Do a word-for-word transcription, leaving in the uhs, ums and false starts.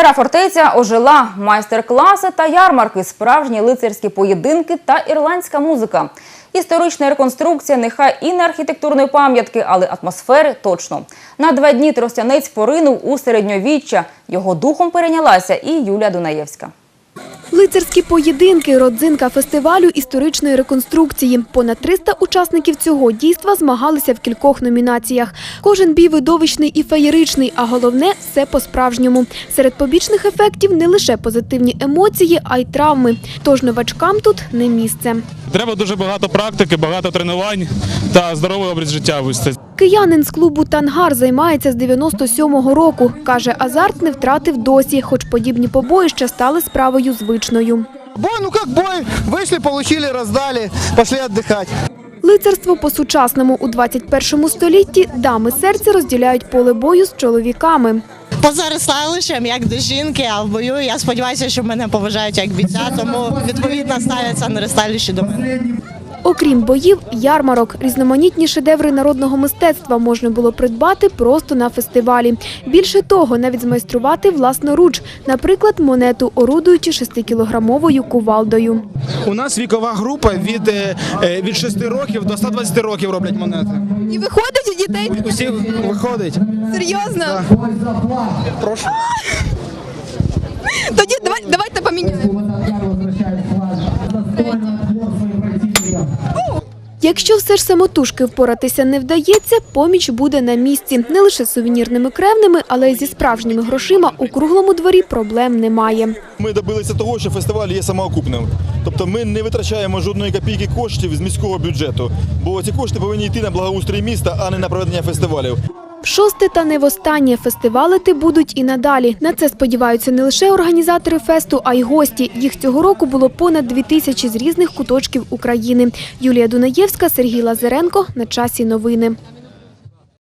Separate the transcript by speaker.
Speaker 1: Стара фортеця ожила, майстер-класи та ярмарки, справжні лицарські поєдинки та ірландська музика. Історична реконструкція нехай і не архітектурної пам'ятки, але атмосфери точно. На два дні Тростянець поринув у середньовіччя. Його духом перейнялася і Юлія Дунаєвська.
Speaker 2: Лицарські поєдинки – родзинка фестивалю історичної реконструкції. Понад триста учасників цього дійства змагалися в кількох номінаціях. Кожен бій видовищний і феєричний, а головне – все по-справжньому. Серед побічних ефектів не лише позитивні емоції, а й травми. Тож новачкам тут не місце.
Speaker 3: Треба дуже багато практики, багато тренувань та здоровий образ життя вести.
Speaker 2: Киянин з клубу «Тангар» займається з дев'яносто сьомого року. Каже, азарт не втратив досі, хоч подібні побоїща стали справою звичною.
Speaker 4: Бой, ну как бой, вышли, получили, роздали, пошли отдыхать.
Speaker 2: Лицарство по-сучасному у двадцять першому столітті дами серця розділяють поле бою з чоловіками.
Speaker 5: Поза рестайлищем, як до жінки, а в бою я сподіваюся, що мене поважають як бійця, тому відповідно ставляться на рестайлищі до мене.
Speaker 2: Окрім боїв, ярмарок, різноманітні шедеври народного мистецтва можна було придбати просто на фестивалі. Більше того, навіть змайструвати власноруч, наприклад, монету, орудуючи шестикілограмовою кувалдою.
Speaker 4: У нас вікова група від, від шести років до ста двадцяти років роблять монети.
Speaker 2: І виходить у дітей?
Speaker 4: Усі виходить.
Speaker 2: Серйозно?
Speaker 4: Да. Прошу.
Speaker 2: Тоді давай, давайте поміняємо. Якщо все ж самотужки впоратися не вдається, поміч буде на місці. Не лише з сувенірними кревними, але й зі справжніми грошима у круглому дворі проблем немає.
Speaker 6: Ми добилися того, що фестиваль є самоокупним. Тобто ми не витрачаємо жодної копійки коштів з міського бюджету, бо ці кошти повинні йти на благоустрій міста, а не на проведення фестивалів.
Speaker 2: Шосте та не востаннє фестивалити будуть і надалі. На це сподіваються не лише організатори фесту, а й гості. Їх цього року було понад дві тисячі з різних куточків України. Юлія Дунаєвська, Сергій Лазаренко. На часі новини.